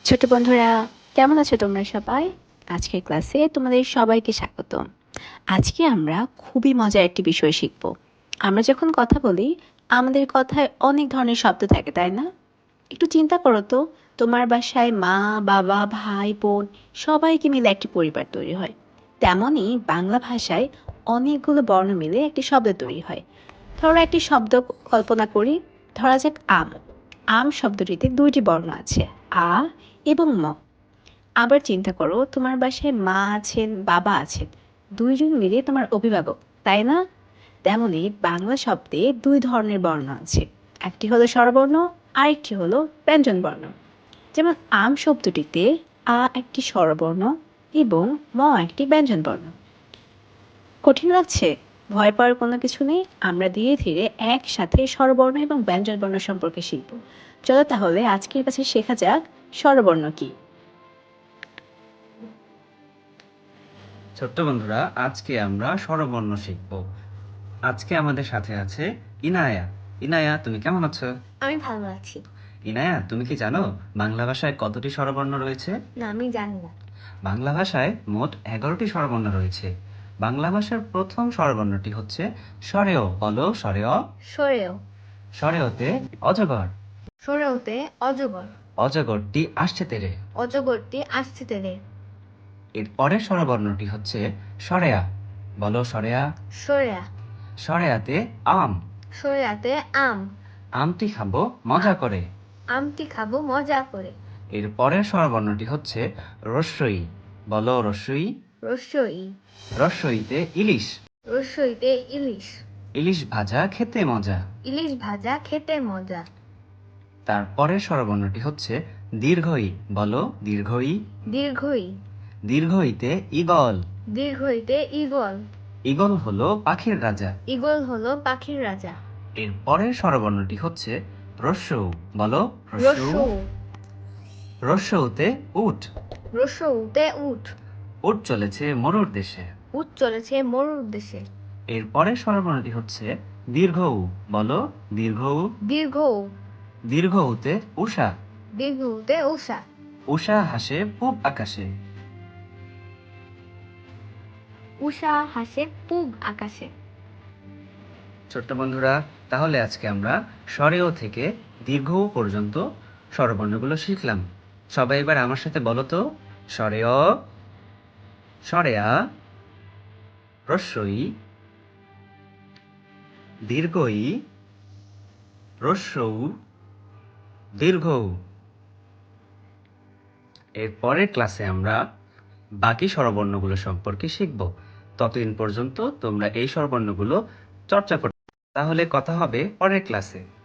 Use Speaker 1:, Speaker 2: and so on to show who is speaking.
Speaker 1: ছোট বন্ধুরা, কেমন আছো তোমরা সবাই? আজকের ক্লাসে তোমাদের সবাইকে স্বাগতম। আজকে আমরা খুবই মজার একটি বিষয় শিখব। আমরা যখন কথা বলি, আমাদের কথায় অনেক ধরনের শব্দ থাকে, তাই না? একটু চিন্তা করো তো, তোমার বাসায় মা, বাবা, ভাই, বোন সবাইকে মিলে একটি পরিবার তৈরি হয়। তেমনই বাংলা ভাষায় অনেকগুলো বর্ণ মিলে একটি শব্দ তৈরি হয়। ধরো একটি শব্দ কল্পনা করি, ধরা যাক আম। আম শব্দটিতে দুইটি বর্ণ আছে, আ এবং ম। আবার চিন্তা করো, তোমার বাসায় মা আছেন, বাবা আছেন, দুইজন মিলে তোমার অভিভাবক, তাই না? তেমনি বাংলা শব্দে দুই ধরনের বর্ণ আছে, একটি হলো স্বরবর্ণ, আরেকটি হলো ব্যঞ্জন বর্ণ। যেমন আম শব্দটিতে আ একটি স্বরবর্ণ এবং ম একটি ব্যঞ্জন বর্ণ। কঠিন লাগছে? ভয় পাওয়ার কোনো কিছু নেই, আমরা ধীরে ধীরে একসাথে স্বরবর্ণ এবং ব্যঞ্জন বর্ণ সম্পর্কে শিখব। চলো তাহলে আজকের কাছে শেখা যাক স্বরবর্ণ কি।
Speaker 2: ছোট্ট বন্ধুরা, আজকে আমরা স্বরবর্ণ শিখব। আজকে আমাদের সাথে আছে ইনায়া। ইনায়া, তুমি কেমন আছো?
Speaker 3: আমি ভালো আছি।
Speaker 2: ইনায়া, তুমি কি জানো বাংলা ভাষায় কতটি স্বরবর্ণ রয়েছে?
Speaker 3: না, আমি জানি না।
Speaker 2: বাংলা ভাষায় মোট 11টি স্বরবর্ণ রয়েছে। বাংলা ভাষার প্রথম স্বরবর্ণটি হচ্ছে স্বরেয়। বলো স্বরেয়।
Speaker 3: সরেও।
Speaker 2: স্বরেয়তে অজগর।
Speaker 3: সরেওতে অজগর।
Speaker 2: অজগরটি আসছে তেরে।
Speaker 3: অজগরটি আসছে তেরে।
Speaker 2: এর পরের স্বরবর্ণটি হচ্ছে স্বরেয়া। বলো স্বরেয়া।
Speaker 3: সরেয়া।
Speaker 2: স্বরেয়াতে আম।
Speaker 3: সরেয়াতে আম।
Speaker 2: আমটি খাবো মজা করে।
Speaker 3: আমটি খাবো মজা করে।
Speaker 2: এর পরের স্বরবর্ণটি হচ্ছে রস্যই। বলো রস্যই।
Speaker 3: রস্যই।
Speaker 2: রস্যইতে ইলিশ।
Speaker 3: রস্যইতে ইলিশ।
Speaker 2: ইলিশ ভাজা খেতে মজা।
Speaker 3: ইলিশ ভাজা খেতে মজা।
Speaker 2: তার পরের স্বরবর্ণটি হচ্ছে দীর্ঘই। বলো দীর্ঘই।
Speaker 3: দীর্ঘই।
Speaker 2: দীর্ঘইতে ঈগল।
Speaker 3: দীর্ঘইতে ঈগল।
Speaker 2: ঈগল হলো পাখির রাজা।
Speaker 3: ঈগল হলো পাখির রাজা।
Speaker 2: এর পরের স্বরবর্ণটি হচ্ছে রস্যৌ। বলো
Speaker 3: রস্যৌ।
Speaker 2: রস্যৌতে উট।
Speaker 3: রস্যৌতে উট।
Speaker 2: উট চলেছে মরুর দেশে।
Speaker 3: উট চলেছে মরুর দেশে।
Speaker 2: এর পরের স্বরবর্ণটি হচ্ছে দীর্ঘউ। বলো দীর্ঘউ।
Speaker 3: দীর্ঘৌ।
Speaker 2: দীর্ঘউতে উষা।
Speaker 3: দীর্ঘউতে উষা।
Speaker 2: উষা হাসে পূব আকাশে।
Speaker 3: উষা হাসে পূব আকাশে।
Speaker 2: ছোট্ট বন্ধুরা, তাহলে আজকে আমরা স্বরেয় থেকে দীর্ঘ পর্যন্ত স্বরবর্ণগুলো শিখলাম। সবাই এবার আমার সাথে বলো তো, স্বরেয়, স্বরেয়া, রস্যই, দীর্ঘই, রস্যৌ, দীর্ঘৌ। এর পরের ক্লাসে আমরা বাকি স্বরবর্ণগুলো সম্পর্কে শিখব। ততদিন পর্যন্ত তোমরা এই স্বরবর্ণগুলো চর্চা করো। তাহলে কথা হবে পরের ক্লাসে।